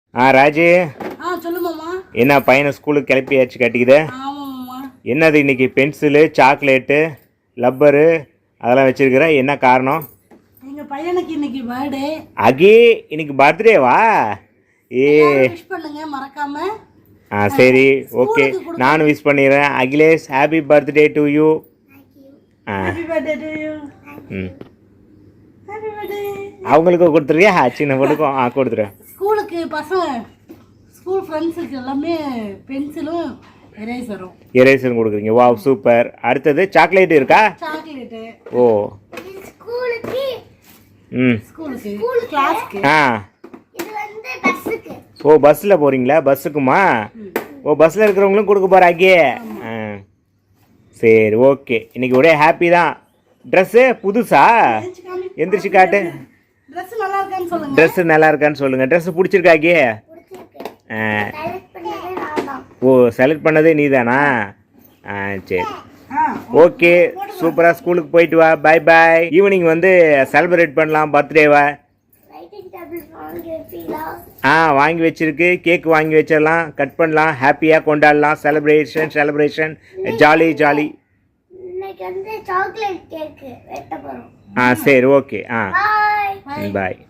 ராஜு. சொல்லு மாமா. என்ன பையனை ஸ்கூலுக்கு கிளப்பியாச்சு கட்டிக்குது? ஆமாம்மா. என்னது இன்னைக்கு பென்சிலு, சாக்லேட்டு, லப்பரு அதெல்லாம் வச்சிருக்கிற, என்ன காரணம்? எங்கள் பையனுக்கு இன்னைக்கு பர்த்டே. அகி, இன்னைக்கு பர்த்டேவா? விஷ் பண்ணுங்க மறக்காம. சரி, ஓகே, நானும் விஷ் பண்ணிடுறேன். Akhilesh, happy birthday to you. Happy birthday to you. Happy birthday. அவங்களுக்கு கொடுத்துறியா? சின்ன பொண்ணுக்கும் கொடுத்துருவேன். ஸ்கூலுக்கு பசங்க, ஸ்கூல் ஃப்ரெண்ட்ஸுக்கு எல்லாமே பென்சிலும் எரேசரும் கொடுக்குறீங்க. வா, சூப்பர். அடுத்தது சாக்லேட் இருக்கா? சாக்லேட்டு. ஓ, ஸ்கூலுக்கு. ஸ்கூலுக்கு, கிளாஸ்க்கு. இது வந்து பஸ்ஸுக்கு. ஓ, பஸ்ஸில் போகிறீங்களா? பஸ்ஸுக்குமா? ஓ, பஸ்ஸில் இருக்கிறவங்களும் கொடுக்க போகிறாக்கே. சரி, ஓகே. இன்னைக்கு ஒரே ஹாப்பி தான். ட்ரெஸ்ஸு புதுசா? எந்திரிச்சு காட்டு. ட்ரெஸ்ஸு நல்லா இருக்கான்னு சொல்லுங்கள். ட்ரெஸ்ஸு பிடிச்சிருக்காக்கே? ஓ, செலக்ட் பண்ணதே நீ தானா? சரி, ஓகே, சூப்பராக ஸ்கூலுக்கு போயிட்டு வா. பாய் பாய். ஈவினிங் வந்து செலிப்ரேட் பண்ணலாம் பர்த்டேவா. வாங்கி வச்சிருக்கு. கேக் வாங்கி வச்சிடலாம், கட் பண்ணலாம், ஹாப்பியாக கொண்டாடலாம். Celebration jolly jolly. Chocolate cake வெட்ட போறோம். சரி, ஓகே. பாய். பாய்.